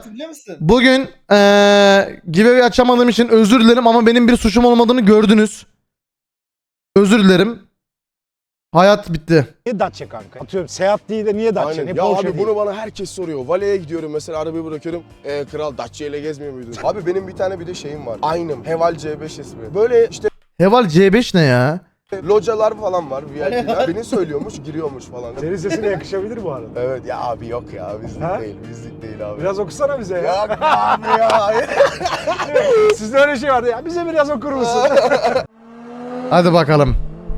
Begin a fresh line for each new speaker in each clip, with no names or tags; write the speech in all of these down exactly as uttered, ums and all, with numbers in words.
hatırlıyor musun?
bugün eee giveaway açamadığım için özür dilerim ama benim bir suçum olmadığını gördünüz. Özür dilerim. Hayat bitti.
Niye Dacia kanka? Atıyorum Seat değil de niye Dacia?
Aynen.
Niye
Ya
Porsche
abi
değil?
bunu bana herkes soruyor. Valeye gidiyorum mesela, arabayı bırakıyorum. E, kral Dacia ile gezmiyor muydun? Abi benim bir tane bir de şeyim var. Aynım. Heval C beş ismi. Böyle işte
Heval C beş ne ya?
localar falan var. V I P'ler. Beni söylüyormuş, giriyormuş falan.
Senin sesine yakışabilir bu arada.
Evet ya abi, yok ya, bizlik
Ha?
değil, bizlik değil abi.
Biraz okusana bize ya.
Yok abi ya.
Sizde öyle şey vardı ya. Bize biraz okur musun?
Hadi bakalım.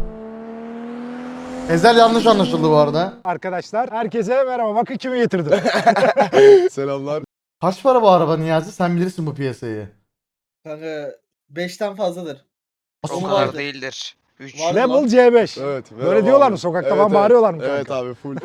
Ezel yanlış anlaşıldı bu arada.
Arkadaşlar herkese merhaba. Bakın kimi getirdim.
Selamlar.
Kaç para bu araba Niyazi? Sen bilirsin bu piyasayı.
Kanka beşten fazladır.
Nasıl
O
Onu
kadar
vardı.
değildir. üç.
Var.
Level C beş.
Evet.
Böyle
merhaba
diyorlar
abi.
mı? Sokakta
Evet,
falan
evet.
bağırıyorlar mı kanka?
Evet abi, full.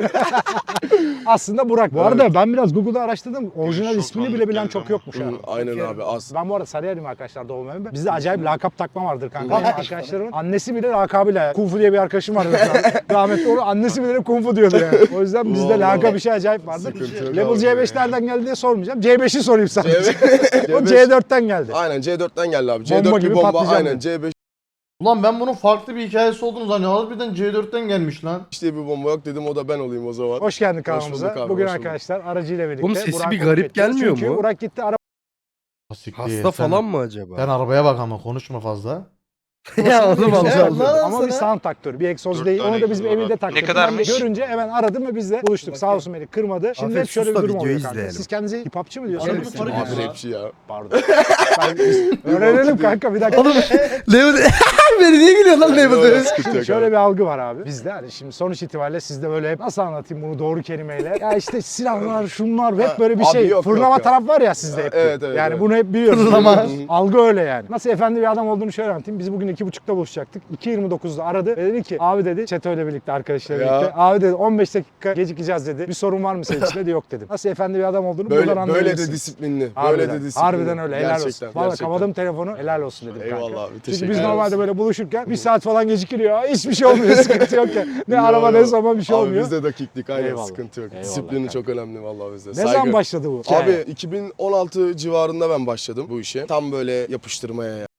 Aslında Burak. Bu
Evet.
arada ben biraz Google'da araştırdım. Orijinal
Çok
ismini bile
tanıdık
bilen
geldi
çok
ama.
yokmuş ha.
Hı, Aynen abi, az.
Ben bu arada Sarıyer'im arkadaşlar, doğum evim. Bizde acayip lakap takma vardır kanka. Benim arkadaşlarımın annesi bile lakabıyla. Kung Fu diye bir arkadaşım vardı mesela. Rahmetli onu annesi bile Kung Fu diyordu yani. O yüzden bizde
Vallahi.
lakap işi acayip vardır.
Sıkıntı yok
Level
abi.
C beş nereden geldi diye sormayacağım. C beşi sorayım sadece.
C
O
beş.
C dörtten geldi.
Aynen C dörtten geldi abi.
Bomba
C dört
gibi
bir bomba,
patlayacak
aynen
dedi.
C beş
Ulan ben bunun farklı bir hikayesi olduğunu zannediyorum. Harbiden C dörtten gelmiş lan.
diye bir bomba yok, dedim o da ben olayım o zaman.
Hoş geldin
bulduk
kanalımıza.
abi,
Bugün
hoş bulduk.
arkadaşlar aracıyla birlikte.
Oğlum sesi
Burak'ı
bir
konuk
garip
edeceğiz.
gelmiyor
Çünkü
mu?
Burak gitti araba
Siktir,
Hasta
sen-
falan mı acaba?
Sen arabaya bak ama konuşma fazla.
ya oğlum
Ya,
Allah
Allah.
Allah.
ama bir
sana.
sound taktör, bir egzoz
Dört
değil.
tane
Onu da bizim
egzoz var
evinde
abi.
taktık.
Ne kadarmış?
Ben de görünce hemen aradım ve biz de buluştuk. Sağ olsun beni kırmadı. Şimdi
Afiyet
hep şöyle bir
olsun da
durum oluyor
videoyu
kanka.
izleyelim.
Siz kendinize hip hopçı mı
Arada
diyorsunuz?
bir fark
Abi
yok.
rapçi ya.
Pardon. Ben, biz öğrenelim kanka bir dakika.
Oğlum Level... Beni niye gülüyor lan
Yok,
Level?
sıkıntı yok
Şöyle
abi.
bir algı var abi. Bizde hani şimdi sonuç itibariyle sizde böyle hep nasıl anlatayım bunu doğru kelimeyle. Ya işte silahlar, şunlar hep böyle bir
Abi
şey.
yok,
Fırlama
yok ya.
taraf var ya sizde hep.
Evet, evet,
yani
evet.
bunu hep biliyoruz.
Fırlama.
Algı öyle yani. Nasıl efendi bir adam olduğunu şöyle anlatayım. Biz bugün iki buçukta buluşacaktık. iki yirmi dokuzda aradı ve dedi ki abi dedi Çeto ile birlikte arkadaşlarla
Ya.
birlikte. Abi dedi on beş dakika gecikeceğiz dedi. Bir sorun var mı senin için dedi, yok dedim. Nasıl efendi bir adam olduğunu buradan
Böyle, böyle
anlayabilirsin.
de disiplinli. Böyle
Harbiden,
de disiplinli.
harbiden öyle, helal
Gerçekten,
olsun. Valla
gerçekten.
kapadım telefonu, helal olsun dedim kanka.
Eyvallah abi,
Çünkü
teşekkür
biz
ederiz.
normalde böyle buluşurken bir saat falan gecikiliyor. Hiçbir şey olmuyor, sıkıntı yok ya. Ne
Yo,
araba
yo.
ne zaman bir şey
Abi
olmuyor.
bizde dakiklik, aynen,
Eyvallah.
sıkıntı yok.
Eyvallah
Disiplini
kanka.
çok önemli vallahi bizde.
Ne
Saygı.
zaman başladı bu?
Abi iki bin on altı civarında ben başladım bu işe. Tam böyle yapıştırmaya ya.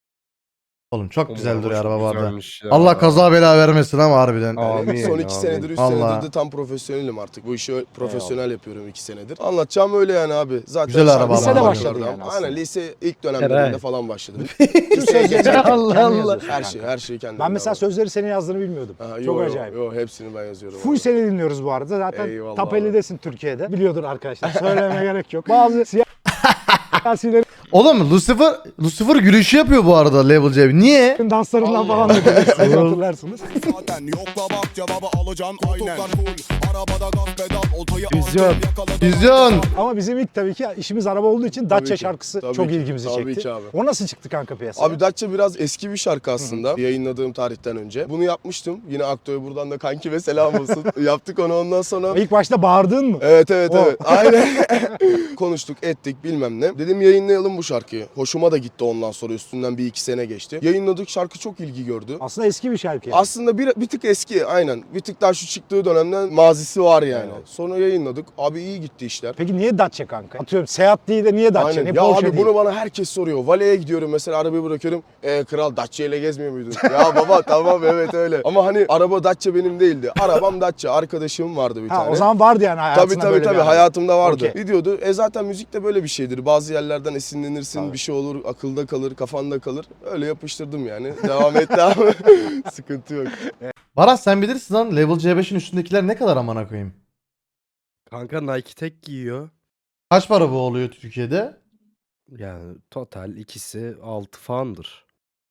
Oğlum çok güzel
Oğlum,
duruyor
çok
araba bu arada.
güzelmiş ya.
Allah kaza bela vermesin ama harbiden.
Amin,
Yani son iki
amin.
senedir, üç
Vallahi.
senedir de tam profesyonelim artık. Bu işi profesyonel yapıyorum iki senedir. Anlatacağım öyle yani abi. Zaten
Güzel
şarkı
araba ama.
Lisede
Vallahi.
başladın yani aslında.
Aynen, lise ilk dönemlerinde
Herhalde.
falan başladım.
Tüm sözleri
Allah
kendin
Allah.
yazıyorsun
her
kanka.
şey, her şeyi kendim.
Ben mesela sözleri senin yazdığını bilmiyordum.
Ha,
Çok
yo, yo,
acayip.
Yo, hepsini ben yazıyorum.
Full
abi.
seni dinliyoruz bu arada. Zaten
Eyvallah
top
abi.
ellidesin Türkiye'de. Biliyordur arkadaşlar. Söylemeye gerek yok. Bazı siyasilerin
Oğlum Lucifer, Lucifer gülüşü yapıyor bu arada Level C. Niye?
danslarından falan da bilirsiniz, hatırlarsınız.
Zaten yokla bak cevabı alacaksın aynen full. Arabada gaz pedal oltayı
Vizyon.
aldın, yakaladın.
Vizyon.
Ama bizim ilk tabii ki işimiz araba olduğu için
Tabii
Dacia
ki,
şarkısı
tabii
çok
ki,
ilgimizi
tabii
çekti.
ki abi.
O nasıl çıktı kanka piyasaya?
Abi Dacia biraz eski bir şarkı aslında. Yayınladığım tarihten önce. Bunu yapmıştım. Yine Akto'ya buradan da kanki ve selam olsun. Yaptık onu, ondan sonra.
İlk başta bağırdın mı?
Evet evet
O.
evet. Aynen. Konuştuk ettik bilmem ne. Dedim yayınlayalım bu şarkıyı. Hoşuma da gitti ondan sonra, üstünden bir iki sene geçti. Yayınladık, şarkı çok ilgi gördü.
Aslında eski bir şarkı. Yani.
Aslında bir, bir tık eski aynen. Bir tık daha şu çıktığı dönemden mazisi var yani.
Evet.
Sonra yayınladık. Abi iyi gitti işler.
Peki niye Dacia kanka? Atıyorum Seat değil de niye Dacia?
Aynen.
Niye
Ya
Porsche
abi
değil?
bunu bana herkes soruyor. Valeye gidiyorum mesela, arabayı bırakıyorum. E, kral Dacia ile gezmiyor muydun? Ya baba tamam evet öyle. Ama hani araba Dacia benim değildi. Arabam Dacia. Arkadaşım vardı bir
Ha,
tane.
o zaman vardı yani hayatında
Tabii tabii
böyle
tabii
bir araba.
hayatımda vardı.
Okey.
Gidiyordu. E zaten müzik de böyle bir şeydir. Bazı yerlerden esinlenirsin,
Tabii.
bir şey olur, akılda kalır, kafanda kalır. Öyle yapıştırdım yani. Devam etti ama sıkıntı yok.
Baras sen bilirsin lan Level C beşin üstündekiler ne kadar amına koyayım.
Kanka Nike tek giyiyor.
Kaç para bu oluyor Türkiye'de?
Yani total ikisi altı falandır.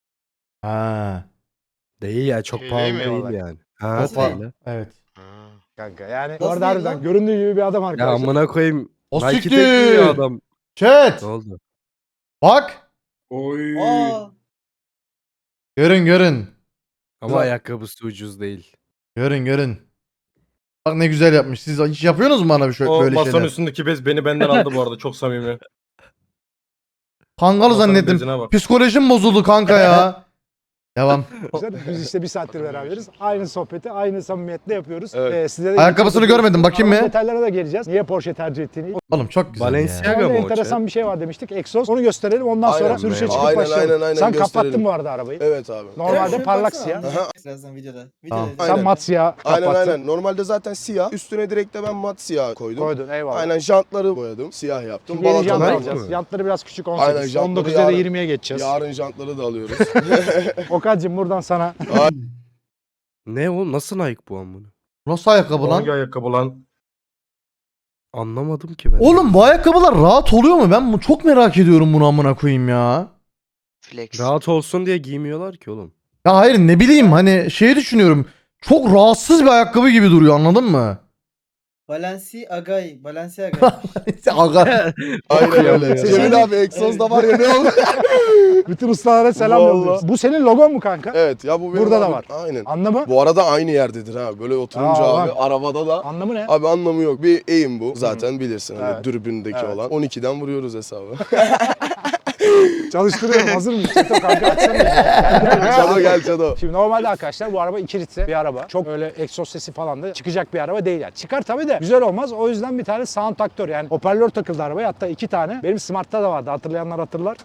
Ha.
Değil ya, çok
Değil
pahalı
mi?
değil yani. Ha,
O
Nasıl
pa-
değil.
Evet.
Ha.
Kanka yani
Nasıl
bu arada
değil
harbiden
lan?
göründüğü gibi bir adam
Ya
arkadaşlar.
amına koyayım.
O
Nike tek
siktir.
giyiyor adam.
Chat.
Ne oldu?
Bak.
Aa,
Görün görün.
Ama
Güzel.
ayakkabısı ucuz değil.
Görün görün. Bak ne güzel yapmış. Siz hiç yapıyorsunuz mu bana bir şey,
O
böyle
masanın
şeyler?
üstündeki bez beni benden aldı bu arada, çok samimi.
Kangal
Masanın
zannettim.
bezine bak.
Psikolojim bozuldu kanka ya. Devam.
Biz işte bir saattir beraberiz. Aynı sohbeti aynı samimiyetle yapıyoruz.
Evet.
Ee, size de
Ayakkabısını görmedim, bakayım
Ama
mı?
Detaylara da geleceğiz. Niye Porsche tercih ettiğini.
Oğlum çok güzel ya.
Balenciaga
Orada
mı o
enteresan
chat?
bir şey var demiştik. Egzoz. Onu gösterelim. Ondan sonra
Aynen.
sürüşe çıkıp
Aynen,
başlayalım.
aynen, aynen,
Sen
gösterelim.
kapattın bu arada arabayı.
Evet abi.
Normalde
Şöyle
parlak
baksana,
siyah.
anlayacak Birazdan videoda. Videoda.
Tamam.
Sen
Aynen.
mat siyah kapattın.
Aynen aynen. Normalde zaten siyah. Üstüne direkt de ben mat siyah koydum.
Koydun eyvallah.
Aynen jantları boyadım. Siyah yaptım.
Şimdi yeni jant
Balataları-
alacağız. Jantları biraz küçük on
Aynen,
sekiz.
jantları
on dokuz ya da
yarın-
yirmiye geçeceğiz.
Yarın jantları da alıyoruz.
Okan'cığım buradan sana.
Ne oğlum nasıl Nike bu an bunu?
Nasıl ayakkabı lan?
Hangi ayakkabı lan?
Anlamadım ki ben.
Oğlum bu ayakkabılar rahat oluyor mu? Ben bu- çok merak ediyorum bunu amına koyayım ya.
Flex.
Rahat olsun diye giymiyorlar ki oğlum.
Ya hayır ne bileyim hani şeyi düşünüyorum. Çok rahatsız bir ayakkabı gibi duruyor anladın mı?
Balenciaga. Balenciaga.
Aga.
Aynen öyle.
ya.
Cemil abi egzozda var ya ne oldu?
Bütün ustalara selam
Vallahi.
yolluyoruz. Bu senin logon mu kanka?
Evet ya bu benim
Burada da
abi-
var.
Aynen.
Anlamı?
Bu arada aynı yerdedir ha. Böyle oturunca
Aa,
abi
bak.
arabada da.
Anlamı ne?
Abi anlamı yok. Bir eğim bu. Zaten bilirsin hani
Evet.
dürbündeki
Evet.
olan. on ikiden vuruyoruz hesabı.
Çalıştırıyorum. Hazır mıyız? Çeto kanka açsana.
Çado gel Çado.
Şimdi normalde arkadaşlar bu araba iki litre bir araba. Çok öyle egzoz sesi falan da çıkacak bir araba değil yani. Çıkar tabii de güzel olmaz. O yüzden bir tane sound aktör yani hoparlör takıldı arabaya. Hatta iki tane. Benim Smart'ta da vardı. Hatırlayanlar hatırlar.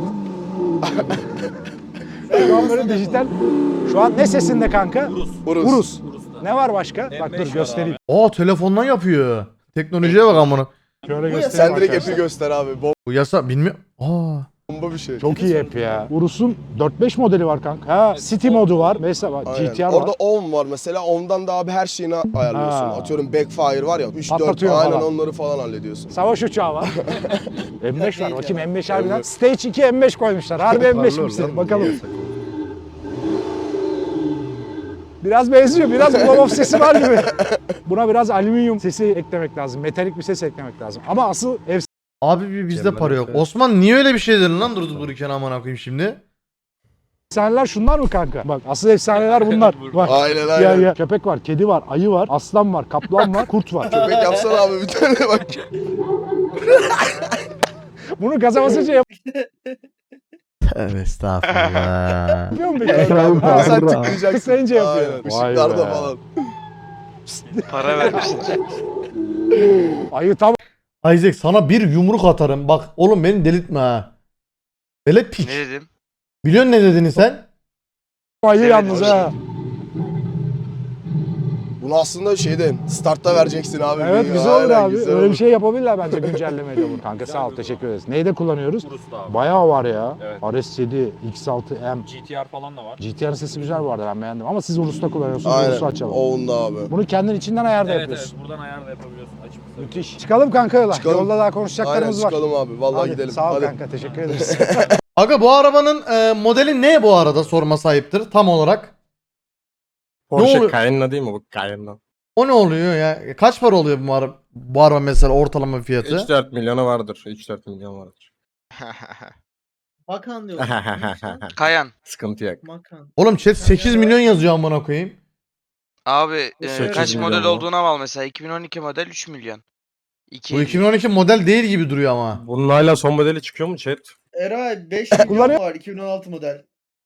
Şu an böyle dijital. Şu an ne sesinde kanka?
Urus.
Urus. Ne var başka? Bak dur göstereyim.
Aa telefondan yapıyor. Teknolojiye bak amına.
Şöyle
Bu ya,
göstereyim
Sen direkt
arkadaşlar.
app'i göster abi.
Bu yasa bilmiyorum. Aa.
Bomba bir şey.
Çok iyi app ya. Urus'un dört beş modeli var kanka. Ha, City modu var. Mesela bak,
Aynen.
G T R
Orada
var.
on var mesela. Ondan da abi her şeyini ayarlıyorsun.
Ha.
Atıyorum backfire var ya. üç dört
Patlatıyor
aynen
falan.
onları falan hallediyorsun.
Savaş uçağı var. M beş var. Bakayım M beş harbiden.
Evet.
Stage iki M beş koymuşlar. Harbi M beş
Parlıyor
misin?
lan,
Bakalım.
niye yasak?
Biraz benziyor. Biraz blow-off sesi var gibi. Buna biraz alüminyum sesi eklemek lazım. Metalik bir ses eklemek lazım. Ama asıl
Abi bir bizde
Kemal
para yok.
Efe.
Osman niye öyle bir şey dedin lan durdu dururken amına koyayım şimdi?
efsaneler şunlar mı kanka? Bak asıl efsaneler bunlar. Bak.
Aynen
Ya,
aynen.
ya. Köpek var, kedi var, ayı var, aslan var, kaplan var, kurt var.
Köpek yapsana abi bir tane bak.
Bunu gaza basınca yap-
Tövbe estağfurullah.
yapıyor mu peki?
Ama sen tıklayacaksın.
Tıklayınca yapıyor.
Aynen.
Vay
Işıklarda
be.
falan.
Para vermişler.
Ayı tam
Isaac sana bir yumruk atarım. Bak oğlum beni delirtme ha. Velet piç.
Ne dedim?
Biliyorsun ne dediğini sen?
ayı
Evet,
yalnız
hoş.
ha.
Bunu aslında şeyden startta vereceksin abi.
Evet
Bir-
güzel olur
Aynen,
abi.
güzel
Öyle
olur.
bir şey yapabilirler bence güncellemeyle bunu. Kanka sağ ol teşekkür ederiz. Neyde kullanıyoruz? Bayağı var ya.
Evet.
R S yedi, X altı M.
G T R falan da var.
G T R'ın sesi güzel bu arada ben beğendim. Ama siz Urus'ta kullanıyorsunuz.
Aynen.
Urus'u açalım.
Oğunda abi.
Bunu kendin içinden ayarda
Evet
yapıyorsun.
evet buradan ayar da yapabiliyorsun açıp ısıtıp.
Müthiş. Çıkalım kanka yola.
Çıkalım.
Yolda daha
Aynen
konuşacaklarımız var.
çıkalım abi. Vallahi
Hadi,
gidelim.
Sağ ol
Hadi.
kanka teşekkür ederiz.
Aga bu arabanın e, modeli ne bu arada sorma sahiptir tam olarak?
Porsche
oluyor?
Cayenne değil mi bu Cayenne?
O ne oluyor ya? Kaç para oluyor bu araba, bu araba mesela ortalama fiyatı?
üç dört milyona vardır. üç dört milyon vardır.
Makan diyor.
Kayan.
Sıkıntı yok.
Makan.
Oğlum chat sekiz milyon yazıyor amına koyayım.
Abi e,
sekiz
kaç
milyon
model
mu?
olduğuna bağlı mesela. iki bin on iki model üç milyon. iki
Bu iki bin on iki model değil gibi duruyor ama.
Bunun hala son modeli çıkıyor mu chat?
Eray beş milyon
Kullanıyor-
var iki bin on altı model.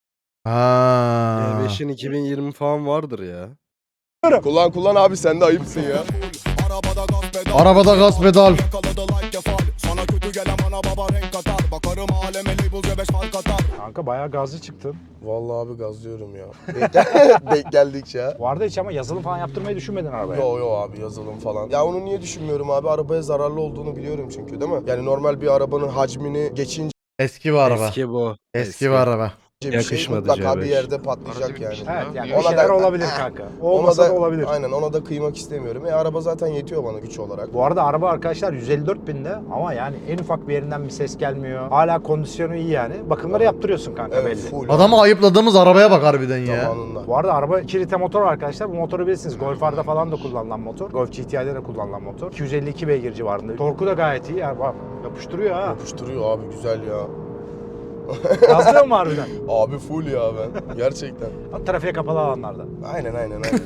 Ha.
E beşin iki bin yirmi falan vardır ya.
Kullan kullan abi sen de ayıpsın ya.
Arabada gaz pedal.
Arabada gaz pedal.
Yakaladı like kefal. Sana kötü gelen ana baba renk atar. Bakarım aleme label beş fark atar.
Kanka bayağı gazlı çıktın.
Vallahi abi gazlıyorum ya. Denk, denk geldikçe ya.
Bu arada hiç ama yazılım falan yaptırmayı düşünmedin arabaya.
Yo yo abi yazılım falan. Ya onu niye düşünmüyorum abi? Arabaya zararlı olduğunu biliyorum çünkü değil mi? Yani normal bir arabanın hacmini geçince
Eski bir araba.
Eski bu.
Eski bir araba.
bir şey
Yakışmadı
mutlaka
C
bir
beş.
yerde patlayacak yani.
Evet yani
Ona
bir şeyler
da-
olabilir kanka.
Ona
Olmasa
da,
da olabilir.
Aynen ona da kıymak istemiyorum. E araba zaten yetiyor bana güç olarak.
Bu arada araba arkadaşlar yüz elli dört binde ama yani en ufak bir yerinden bir ses gelmiyor. Hala kondisyonu iyi yani. Bakımları yaptırıyorsun kanka
Evet
belli.
full.
Adamı ayıpladığımız arabaya bak harbiden ya.
zamanında.
Bu arada araba iki litre motor var arkadaşlar. Bu motoru bilirsiniz. Golf R'da falan da kullanılan motor. Golf G T I'de de kullanılan motor. iki yüz elli iki beygir civarında. Torku da gayet iyi. Yani bak yapıştırıyor ha.
Yapıştırıyor abi güzel ya.
Gazlıyor mu harbiden?
Abi full ya ben. Gerçekten.
Ha, trafiğe kapalı alanlarda.
Aynen aynen aynen.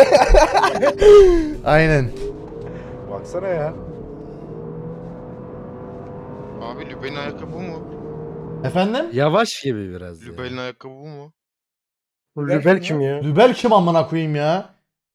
Aynen.
Baksana ya.
Abi Lübey'in ayakkabı bu mu?
Efendim?
Yavaş gibi biraz ya.
Lübey'in ayakkabı bu mu?
Rübel kim ya?
Lübel kim amına koyayım ya?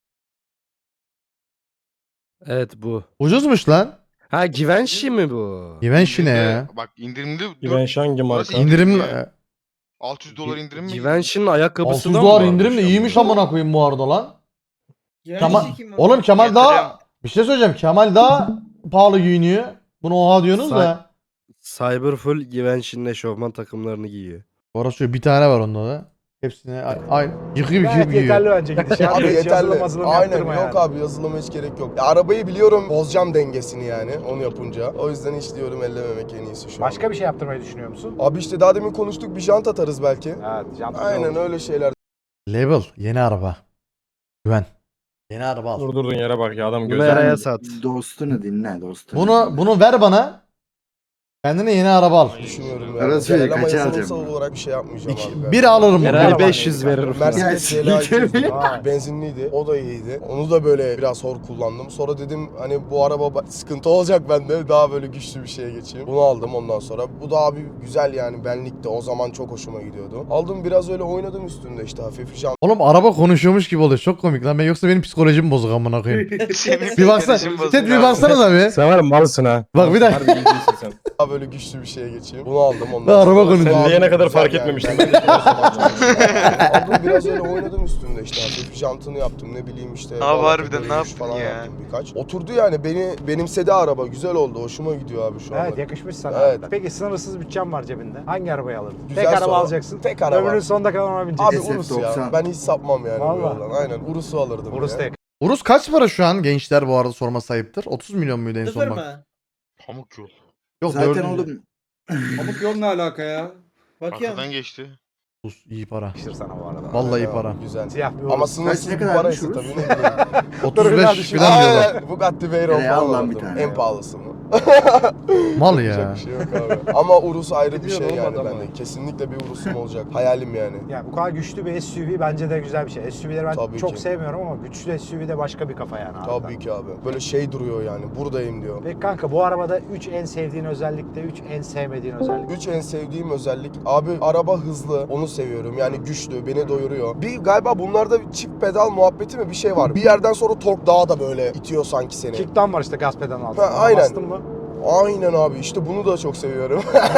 Evet bu.
Ucuzmuş lan.
Ha Givenchy mi bu?
Givenchy ne ya?
Bak indirimli
Givenchy hangi marka?
İndirim
altı yüz dolar indirim mi?
Givenchy'nin ayakkabısı
altı yüz
da mı
dolar
varmış
indirim de
ama?
iyiymiş amına koyayım bu arada lan. Kemal,
Givenchy kim
oğlum Kemal
Yatırım.
daha bir şey söyleyeceğim. Kemal daha pahalı giyiniyor. Bunu oha diyorsunuz da.
Cyberfull Givenchy'nin eşofman takımlarını giyiyor.
Orası bir tane var onda da. Hepsini ay, ay yıkayıp
Gayet
yıkayıp
yeterli
giyiyor.
bence gidişat.
Abi
Hiç
yeterli.
yazılım mazılım
Aynen
yaptırma
yok
yani.
abi yazılıma hiç gerek yok. Ya, arabayı biliyorum bozacağım dengesini yani onu yapınca. O yüzden hiç diyorum ellememek en iyisi şu an.
Başka bir şey yaptırmayı düşünüyor musun?
Abi işte daha demin konuştuk bir jant atarız belki.
Evet. Jant
Aynen öyle şeyler.
Label yeni araba. Güven. Yeni araba al.
Durdurduğun yere bak ya adam
Bunu
gözler.
Eray'a sat.
Dostunu dinle dostunu.
Bunu bunu ver bana. Kendine yeni araba al.
Düşünüyorum yani.
Arası
Genel ama
kaça
yazılımsal
alacağım
olarak bir şey yapmayacağım
İki,
abi.
bir alırım bunu.
Eray
Araba
beş yüz
neydi?
verir falan.
Mercedes
Ya,
C L A iki yüz
Vay.
benzinliydi. O da iyiydi. Onu da böyle biraz hor kullandım. Sonra dedim hani bu araba ba- sıkıntı olacak bende. Daha böyle güçlü bir şeye geçeyim. Bunu aldım ondan sonra. Bu da abi güzel yani benlikti. O zaman çok hoşuma gidiyordu. Aldım biraz öyle oynadım üstünde işte hafif jant.
Oğlum araba konuşuyormuş gibi oluyor. Çok komik lan. Ben yoksa benim psikolojim bozuk amına koyayım.
Senin
Bir baksana.
psikolojin bozuk
Ted bir
abi.
baksana da bir.
Sen var ya malsın ha.
Bak bir dakika.
Harbi iyisin sen.
Daha böyle güçlü bir şeye geçeyim. Bunu aldım ondan
Ben araba
sonra.
konuşuyorum.
Abi,
Diyene kadar
güzel
fark
yani.
etmemiştim.
Ben-
Ben de
Aldım biraz öyle oynadım üstünde işte hafif jantını yaptım ne bileyim işte.
Abi
bağlantı
harbiden ne
dönüş
yaptın
falan
ya?
yaptım birkaç. Oturdu yani beni benimsedi araba güzel oldu hoşuma gidiyor abi şu anda.
Evet yakışmış sana.
Evet.
Peki sınırsız bütçem var cebinde. Hangi arabayı alırdın?
Güzel
Tek araba
soru.
alacaksın.
Tek araba.
Ömrünün sonuna kadar ona
Abi
bineceksin.
Urus ya.
doksan.
Ben hiç sapmam yani bu
Vallahi.
yoldan. Aynen Urus'u alırdım.
Urus
ya.
tek.
Urus kaç para şu an gençler bu arada sorma sayıptır? otuz milyon muydu en
Sıfır
son bak?
mı?
Pamuk yol.
Yok
Zaten
dördüncü.
oğlum
Pamuk yol ne alaka ya? Bakayım.
Arkadan geçti.
Urus iyi para.
Yakışır sana bu arada.
Vallahi iyi
Aynen
para.
abi, Güzel.
Siyah bir
Ama
Urus.
sınırsız
Kaç- ne
bir
kadarmış
paraysa
Urus?
tabii ne bileyim.
otuz beş
düşün.
falan diyorlar.
Aynen Bugatti Veyron
Nereye al
falan
lan bir
alırdım.
tane
En
ya?
pahalısını.
Mal
Yapacak
ya.
bir şey yok abi. Ama Urus ayrı bir
Biliyorum,
şey yani
olmadı ama.
bende. Kesinlikle bir Urus'um olacak. Hayalim yani.
Ya bu kadar güçlü bir S U V bence de güzel bir şey. S U V'leri ben
Tabii
çok
ki.
sevmiyorum ama güçlü S U V de başka bir kafa yani. harbiden.
Tabii ki abi. Böyle şey duruyor yani. Buradayım diyor.
Peki kanka bu arabada üç en sevdiğin özellik de üç en sevmediğin özellik.
Üç en sevdiğim özellik abi araba hızlı onu seviyorum yani güçlü beni doyuruyor. Bir galiba bunlarda bir çift pedal muhabbeti mi bir şey var. Bir yerden sonra tork daha da böyle itiyor sanki seni.
Kickdown var işte gaz pedalının altında.
Ha, aynen.
Bastın mı?
Aynen abi işte bunu da çok seviyorum.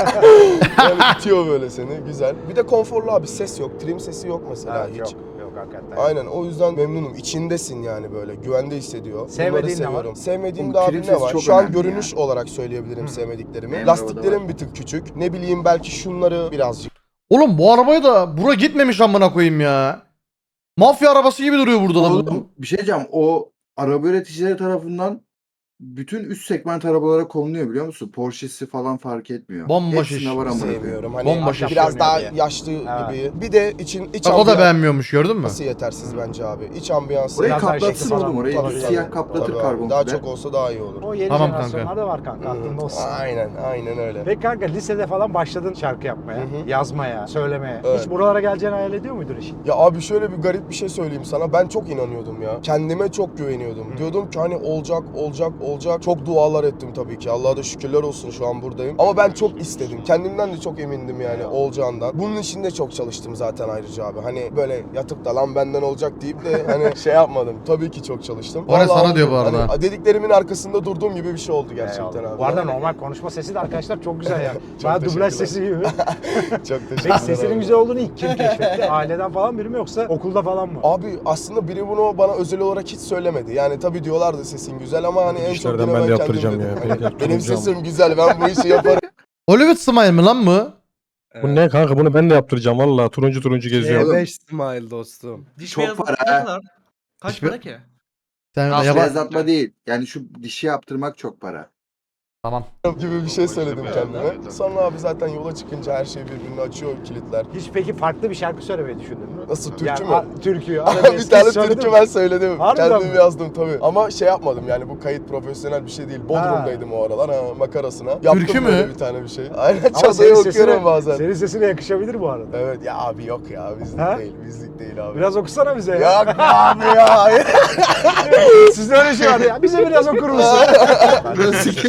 Yani itiyor böyle seni güzel. Bir de konforlu abi ses yok trim sesi yok mesela
Evet,
hiç.
yok. Yok hakikaten.
Aynen o yüzden memnunum. İçindesin yani böyle güvende hissediyor.
Sevmediğin
Bunları
ne var?
seviyorum. Sevmediğim
Oğlum,
de abi
trim
ne
sesi
var?
çok
Şu an
önemli
görünüş olarak söyleyebilirim
Hı.
sevmediklerimi.
Benim arabada
Lastiklerim
var.
bir tık küçük. Ne bileyim belki şunları birazcık.
Oğlum bu arabaya da bura gitmemiş amına koyayım ya. Mafya arabası gibi duruyor burada da. Bu-
Oğlum bir şey diyeceğim. O araba üreticileri tarafından bütün üst segment arabalara konuluyor biliyor musun? Porsche'si falan fark etmiyor.
Bomboş
Hepsine
iş.
var amına koyayım.
Sevmiyorum. Hani
Bomboş
iş.
biraz daha
Görünüyor
yaşlı
Evet.
gibi. Bir de için iç
Bak o da
ambiyans-
beğenmiyormuş gördün mü?
Nasıl yetersiz bence abi. İç ambiyansı.
Orayı
Biraz daha
kaplatsın
şekli falan
oğlum orayı.
tabii,
Siyah
tabii.
kaplatır
Tabii abi,
karbon
daha
fiber.
çok olsa daha iyi olur.
O yeni
Tamam
jenerasyonlarda var kanka aklında olsun.
Aynen, aynen öyle.
Peki kanka lisede falan başladın şarkı yapmaya,
Hı hı.
yazmaya, söylemeye.
Evet.
Hiç buralara geleceğini hayal ediyor muydun işin?
Ya abi şöyle bir garip bir şey söyleyeyim sana. Ben çok inanıyordum ya. Kendime çok güveniyordum. Diyordum ki hani olacak, olacak, olacak. Çok dualar ettim tabii ki. Allah'a da şükürler olsun şu an buradayım. Ama ben çok istedim. Kendimden de çok emindim yani olacağından. Bunun için de çok çalıştım zaten ayrıca abi. Hani böyle yatıp da lan benden olacak deyip de hani şey yapmadım. Tabii ki çok çalıştım.
O ne sana
Vallahi
diyor bu
hani
arada.
dediklerimin arkasında durduğum gibi bir şey oldu gerçekten
Eyvallah.
abi.
Bu arada normal konuşma sesi de arkadaşlar çok güzel yani.
Çok
Bana dublaj
teşekkürler.
sesi gibi.
Çok teşekkür
Peki
ederim.
sesinin güzel olduğunu ilk kim keşfetti? Aileden falan biri mi yoksa okulda falan mı?
Abi aslında biri bunu bana özel olarak hiç söylemedi. Yani tabii diyorlardı sesin güzel ama hani en çok
İşlerden
yine
ben de
kendim
yaptıracağım
dedim.
ya.
Hani
Peki,
benim
yaptıracağım.
sesim güzel ben bu işi yaparım.
Hollywood Smile mi lan bu?
Bu ne kanka bunu ben de yaptıracağım valla turuncu turuncu geziyorum.
Oğlum,
E beş smile dostum.
Diş Çok para ha.
Kaç para ki? Sen
Nasıl
yaba-
Beyazlatma değil. Yani şu dişi yaptırmak çok para.
Tamam.
gibi bir şey söyledim kendime. Sonra abi zaten yola çıkınca her şey birbirini açıyor kilitler.
Hiç peki farklı bir şarkı söylemeyi düşündün mü?
Nasıl türkü
Yani,
mü?
a- Türkü.
bir
arabesk
tane
hiç söyledin
türkü
mi?
ben söyledim.
Harbiden
Kendim
mi?
yazdım tabii. Ama şey yapmadım yani bu kayıt profesyonel bir şey değil. Bodrum'daydım o aralar ha makarasına. Yaptım
Türkü mü?
böyle bir tane bir şey. Aynen
Ama
çadayı
senin
okuyorum
sesine,
bazen.
senin sesine yakışabilir bu arada.
Evet ya abi yok ya bizlik
Ha?
değil bizlik değil abi.
Biraz okusana bize ya.
Yok abi ya.
Sizde öyle şey var ya. Bize biraz okur musun?
Nasıl keyifli?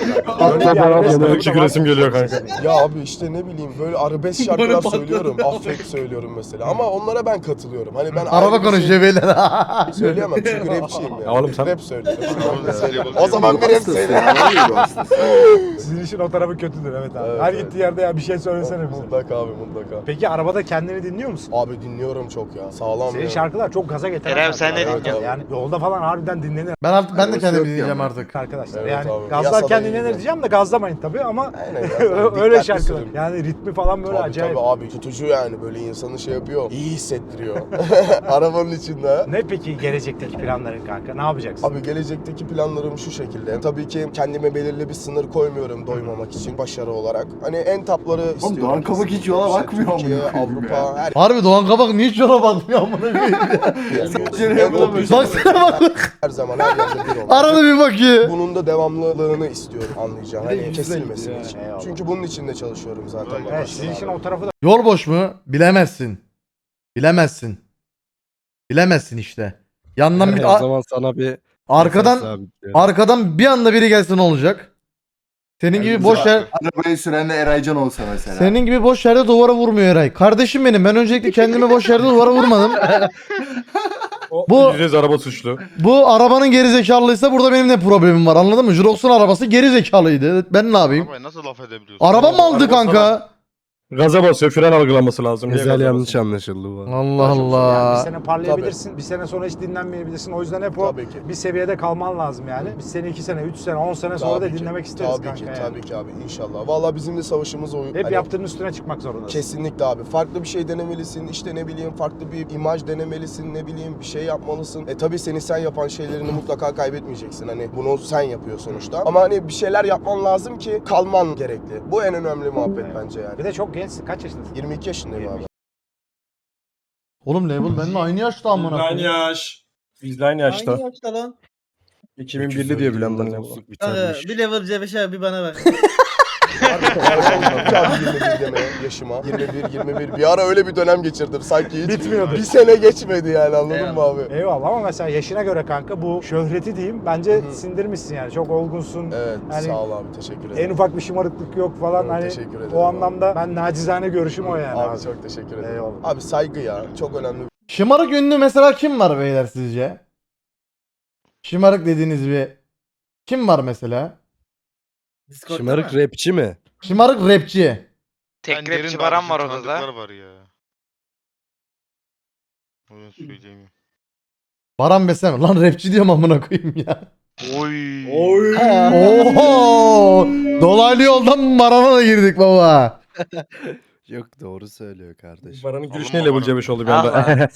kanka. Öyle bir
Hatta
arabesk
bana
tarafı da
küçük
var.
resim geliyor kanka.
Ya abi işte ne bileyim böyle arabesk şarkılar söylüyorum. Affet söylüyorum mesela. Ama onlara ben katılıyorum. Hani ben
Araba
ayrı bir şey
konuşuyor beyler.
söyleyemem çünkü rapçiyim ya.
Ya oğlum sen-
Rap söylüyorum.
Mesela-
O zaman bir rap söyle.
Sizin işin o tarafı kötüdür evet abi.
Evet,
Her
evet.
gittiği yerde ya bir şey söylesene bize.
Mutlaka abi mutlaka.
Peki arabada kendini dinliyor musun?
Abi dinliyorum çok ya. Sağlam
Senin
ya.
şarkılar çok gaza getiren
Kerem, sen
şarkılar.
ne
Evet,
dinliyorsun?
Yani yolda falan harbiden dinlenir
Ben artık ben de
Arabası
kendimi
yok ya
dinleyeceğim
ama.
artık.
arkadaşlar.
Evet
yani
abi.
gazlarken
Yasada
dinlenir ama gazlamayın tabii ama
Aynen ya.
öyle
Dikkatli
şarkılar.
sürün.
Yani ritmi falan böyle
Tabii
acayip.
tabii abi tutucu yani böyle insanı şey yapıyor. İyi hissettiriyor. Arabanın içinde.
Ne peki gelecekteki planların kanka? Ne yapacaksın?
Abi gelecekteki planlarım şu şekilde. Tabii ki kendime belirli bir sınır koymuyorum doymamak için başarı olarak. Hani en tapları istiyorum.
Doğan Kabak hiç yola
İşte
bakmıyor
Türkiye,
amına koyayım
Avrupa, her
Harbi Doğan Kabak niye hiç yola bakmıyor amına koyayım ya.
en top yüzü-
Baksana bak.
her zaman her yerde bir olmak.
Arada bir bakıyor.
Bunun da devamlılığını istiyorum anlayacağım. Hani kesilmesin
ya.
için.
Eyvallah.
Çünkü bunun için de çalışıyorum zaten.
Evet, sizin işin o tarafı da
Yol boş mu? Bilemezsin. Bilemezsin. Bilemezsin işte. Yandan bir
o zaman sana bir
arkadan
sabitliyorum.
arkadan bir anda biri gelse ne olacak? Senin gibi boş yer
Arabayı süren de Eraycan olsa mesela.
senin gibi boş yerde duvara vurmuyor Eray. Kardeşim benim ben öncelikle kendimi boş yerde duvara vurmadım. Bu
Yüz araba suçlu.
bu arabanın geri zekalıysa burada benim ne problemim var anladın mı? Jurox'un arabası geri zekalıydı. Ben ne yapayım?
Arabaya nasıl laf edebiliyorsun?
Araba mı aldı
Araba
kanka?
Gaza basıyor, fren algılaması lazım. Niye
Güzel
gaza
yanlış
basıyor?
anlaşıldı bu.
Allah
Yani bir
Allah.
sene parlayabilirsin, bir sene sonra hiç dinlenmeyebilirsin. O yüzden hep o
Tabii ki.
bir seviyede kalman lazım yani. Biz seni iki sene, üç sene, on sene sonra
Tabii
da
ki.
dinlemek isteriz
Tabii
kanka
ki,
yani.
tabii ki abi inşallah. Vallahi bizim de savaşımız o.
Hep
hani
yaptığın üstüne çıkmak zorundasın.
Kesinlikle abi. Farklı bir şey denemelisin. İşte ne bileyim farklı bir imaj denemelisin. Ne bileyim bir şey yapmalısın. E tabii senin sen yapan şeylerini mutlaka kaybetmeyeceksin. Hani bunu sen yapıyor sonuçta. Ama hani bir şeyler yapman lazım ki kalman gerekli. Bu en önemli muhabbet
Evet.
bence yani.
Bir de çok gençsin. Kaç yaşındasın?
yirmi iki yaşındayım abi.
Oğlum label benimle aynı yaşta amına
Aynı
koyayım.
yaş. Biz de aynı yaşta.
Aynı yaşta lan.
iki bin birli diye bilen ben.
Kanka, bir level C beş abi bana bak.
Abi yirmi bir deme yaşıma. yirmi bir yirmi bir. Bir ara öyle bir dönem geçirdim. Sanki hiç
Bitmiyordu.
bir sene geçmedi yani anladın mı abi?
Eyvallah ama mesela yaşına göre kanka bu şöhreti diyeyim bence
Hı hı.
sindirmişsin yani. Çok olgunsun.
Evet
Yani
sağ ol abi teşekkür
En
ederim.
ufak bir şımarıklık yok falan
Evet,
hani
teşekkür ederim
o
abi.
anlamda ben nacizane görüşüm o yani
Abi,
abi.
çok teşekkür ederim.
Eyvallah.
Abi saygı ya çok önemli.
Şımarık ünlü mesela kim var beyler sizce? Şımarık dediğiniz bir kim var mesela?
Discord'da
Şımarık
mı?
rapçi mi?
Şımarık rapçi.
Tek
Ben derin
rapçi
de
Baran
abi,
var
bizim
odada.
tanıdıklar var ya. Onu söyleyeyim.
Baran Besem. Lan rapçi diyorum amına koyayım ya.
Oy.
Oho! Dolaylı yoldan Baran'a da girdik baba.
Yok doğru söylüyor kardeşim.
Baran'ın gülüş
Alınma
neyle
Baran.
bulca beş oldu bir
Ah
anda.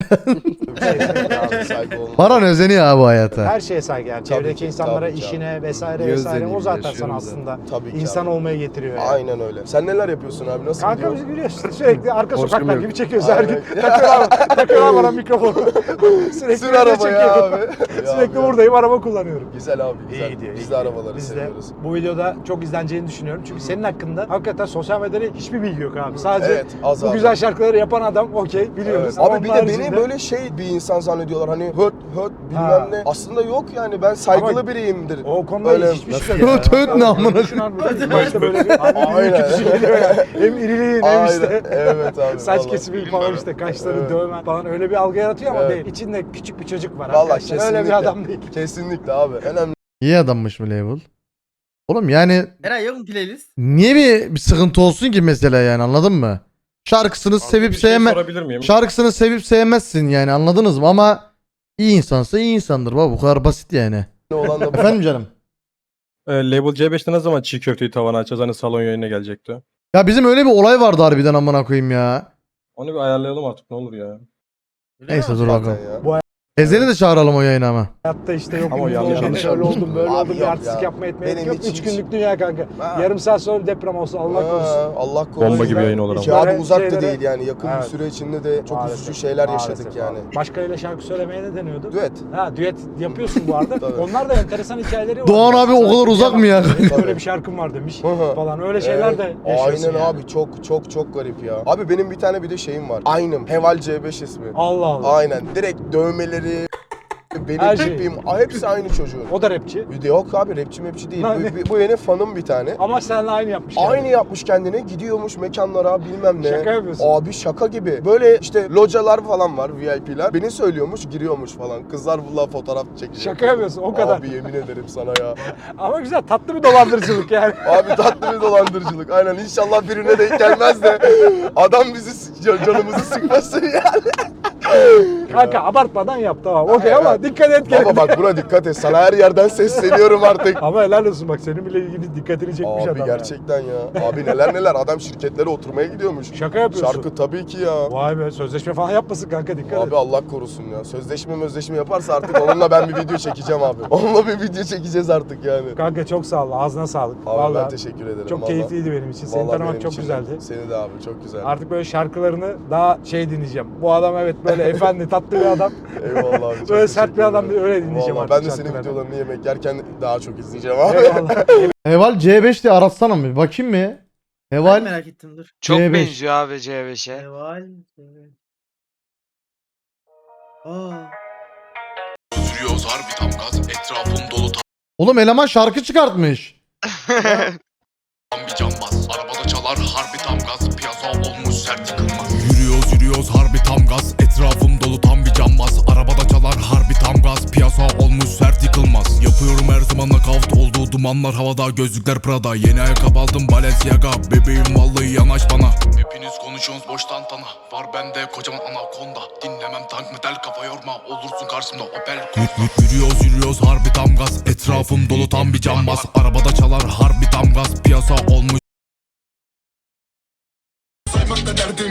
abi saygı olmalı.
Baran özeniyor abi bu hayata.
Her şeye saygı yani.
Tabii
Çevredeki
ki,
insanlara,
tabii ki
işine vesaire
Niye
vesaire. O
özeneyim,
zaten sana
yaşıyorum
aslında
Tabii ki
insan
abi.
olmaya getiriyor yani.
Aynen öyle. Sen neler yapıyorsun abi? Nasıl
Kanka
gidiyor?
bizi biliyorsun sürekli arka
Borcum
sokaklar
yok.
gibi çekiyoruz her gün.
Aynen.
Takıyorlar, takıyorlar bana mikrofonu. Sürekli
Sür
video
arabaya
çekiyorum.
abi. Ya
Sürekli
abi ya.
buradayım araba kullanıyorum.
Güzel abi güzel.
İyi gidiyor.
Biz
iyi
de
gidiyor.
arabaları
Biz de
seviyoruz.
bu videoda çok izleneceğini düşünüyorum. Çünkü senin hakkında hakikaten sosyal medyada hiçbir bilgi yok abi. Sadece
Evet az
bu
abi.
güzel şarkıları yapan adam okey biliyoruz.
Evet.
Ama
Abi bir
onun
de beni
haricinde-
böyle şey bir insan zannediyorlar hani höt höt bilmem
Ha.
ne. Aslında yok yani ben saygılı
Ama
biriyimdir.
O konuda
Böyle-
hiçbir
Nasıl
şey
ya?
yok.
Töt ne amına
Başta böyle bir abi
Aynen.
büyük kötüsü geliyor ya. Hem iriliğin hem
Aynen.
işte
Evet abi.
saç
vallahi.
kesimi falan işte kaşları
Evet.
dövmen falan öyle bir algı yaratıyor ama
Evet.
değil. İçinde küçük bir çocuk var
Vallahi
arkadaşlar. Öyle
kesinlikle.
bir adam değil.
Kesinlikle abi. Önemli
İyi adammış mı label? Oğlum yani
Eray yok mu playlist?
niye bir, bir sıkıntı olsun ki mesela yani anladın mı? Şarkısını
Abi
sevip
bir şey
sevme
sorabilir miyim?
şarkısını sevip sevmezsin yani anladınız mı? Ama iyi insansa iyi insandır baba bu kadar basit yani.
olan da bu.
Efendim canım.
Ee, Label C beşte ne zaman çiğ köfteyi tavana açacağız? Hani salon yayına gelecekti.
Ya bizim öyle bir olay vardı harbiden amına koyayım ya.
Onu bir ayarlayalım artık ne olur ya.
Neyse dur
Zaten
bakalım.
ya.
Ezeli de çağıralım o yayına ama.
Hayatta işte yok
Ama o
ünlü
yanlış
oldum,
yanlış
şöyle
yanlış.
oldum, böyle
Abi
oldum, bir
yok
artistik
ya.
yapmaya etmeye
Benim
gerek yok.
için
Üç
hiç-
günlük dünya kanka.
Ha.
Yarım saat sonra deprem olsa Allah
Ha,
korusun.
Allah korusun.
Bomba gibi yayın olur ama.
Hiç
Ya abi
böyle
uzak da
şeylere-
değil yani yakın
Evet.
bir süre içinde de çok
Maalesef,
üzücü şeyler
maalesef
yaşadık yani.
abi. Başkalarıyla şarkı söylemeye ne deniyordu?
Düet.
Ha düet yapıyorsun bu arada.
Tabii.
Onlar da enteresan hikayeleri var.
Doğan abi o kadar uzak mı ya?
Böyle bir şarkım var demiş
Hı hı.
falan öyle şeyler
Evet,
de yaşıyorsun
aynen
yani.
abi çok çok çok garip ya. Abi benim bir tane bir de şeyim var. Aynım. Heval C beş ismi.
Allah Allah.
Aynen. Direkt dövmeleri, benim
Her şey.
tipim, hepsi aynı çocuğun.
O da rapçi.
Yok abi rapçi mepçi değil.
Lan ne?
Bu, bu, bu yeni fanım bir tane.
Ama seninle aynı yapmış. yani.
Aynı yapmış kendine, gidiyormuş mekanlara bilmem ne.
Şaka yapıyorsun.
Abi şaka gibi. Böyle işte localar falan var, V I P'ler. Beni söylüyormuş, giriyormuş falan. Kızlar bununla fotoğraf çekiyor.
Şaka yapıyorsun, o kadar.
Abi yemin ederim sana ya.
Ama güzel, tatlı bir dolandırıcılık yani.
Abi tatlı bir dolandırıcılık. Aynen, inşallah birine denk gelmez de adam bizi canımızı sıkmasın yani.
Kanka abartmadan yap tamam. Okey ama dikkat et gene.
Baba bak buna dikkat et. Sana her yerden sesleniyorum artık.
Ama helal olsun bak, senin bile ilgili dikkatini çekmiş
Abi
adam.
gerçekten ya. Abi neler neler. Adam şirketlere oturmaya gidiyormuş.
Şaka yapıyorsun.
Şarkı tabii ki ya.
Vay be, sözleşme falan yapmasın kanka, dikkat
Abi
et.
Allah korusun ya. Sözleşme mözleşme yaparsa artık onunla ben bir video çekeceğim abi. Onunla bir video çekeceğiz artık yani.
Kanka çok sağ ol, ağzına sağlık.
Abi
Vallahi
ben teşekkür ederim.
çok
vallahi.
keyifliydi benim için. Seni
Vallahi
tanımak
benim
çok
için de.
güzeldi.
Seni de abi çok güzel.
Artık böyle şarkılarını daha şey dinleyeceğim. Bu adam evet böyle efendi, tatlı bir adam.
Eyvallah abi. çok
Böyle sert bir
teşekkür
adam
ederim.
öyle dinleyeceğim
Vallahi
artık
ben de senin
şarkılarını.
videolarını yemek yerken daha çok izleyeceğim abi.
Eyvallah.
Heval C beş diye aratsana mı? Bakayım mı?
Ben
Heval
merak ettim dur.
Çok
C beş.
benziyor abi C beşe.
Eval. Aa.
Sürüyoruz harbi tam gaz. Etrafım dolu
Oğlum eleman şarkı çıkartmış.
tam bir cambaz. Arabada çalar harbi tam gaz. Piyasa olmuş sert yıkılmaz. Yürüyoruz yürüyoruz harbi tam gaz. Etrafım dolu tam bir cambaz. Arabada çalar harbi tam gaz. Piyasa olmuş sert yıkılmaz. Yapıyorum her zaman nakavt olduğu dumanlar havada. Gözlükler Prada. Yeni ayakkabı aldım Balenciaga. Bebeğim vallahi yanaş bana. Hepiniz konuşuyorsunuz boş tantana. Var bende kocaman anakonda. Dinlemem tank metal kafa yorma. Olursun karşımda Opel Corsa. Yürüyoruz yürüyoruz harbi tam gaz. Etrafım dolu tam bir cambaz. Arabada çalar harbi tam gaz. Piyasa olmuş. Saymakta derdim.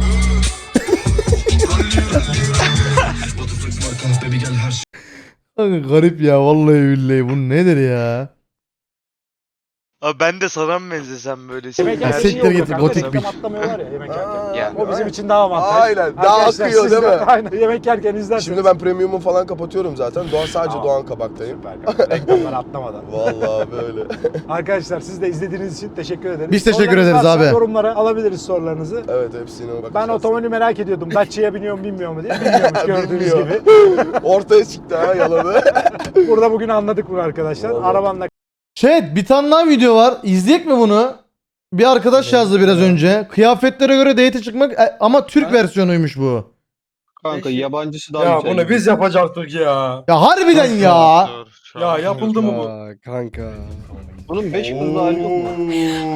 Kanka garip ya vallahi billahi, bu nedir ya?
Abi ben de sana mı benzesem böyle?
Yemek
Ya
yerken
siktir
iyi oluyor
git,
kanka,
gotik
sistem
bir-
atlamıyorlar ya yemek yerken.
Ya.
O bizim için daha avantaj.
Aynen, daha
Arkadaşlar,
akıyor
siz
değil
de-
mi?
Aynen, yemek yerken izlerseniz.
Şimdi ben premium'u falan kapatıyorum zaten. Doğan sadece
Tamam.
Doğan Kabak'tayım.
Süper kanka, reklamları atlamadan.
Vallahi böyle.
Arkadaşlar siz de izlediğiniz için teşekkür ederiz.
Biz teşekkür
Sorularınız
ederiz
varsa
abi.
Yorumlara alabiliriz sorularınızı.
Evet hepsine bakacağız.
Ben otomobili merak ediyordum. Dacia'ya biniyor mu binmiyor mu diye. Bilmiyormuş gördüğünüz
Bilmiyor.
gibi.
Ortaya çıktı ha yalanı.
Burada bugün anladık bunu arkadaşlar.
Vallahi.
Arabanla
Chat bir tane daha video var. İzleyek mi bunu? Bir arkadaş yazdı biraz önce. Kıyafetlere göre date çıkmak e, ama Türk versiyonuymuş bu.
Kanka,
yabancısı
Ya bunu biz yapacaktık ya.
Ya harbiden ya.
Dur, şu
Ya
an
yapıldı mı bu?
Aa, kanka.
Bunun beş yıldızlı hali yok mu?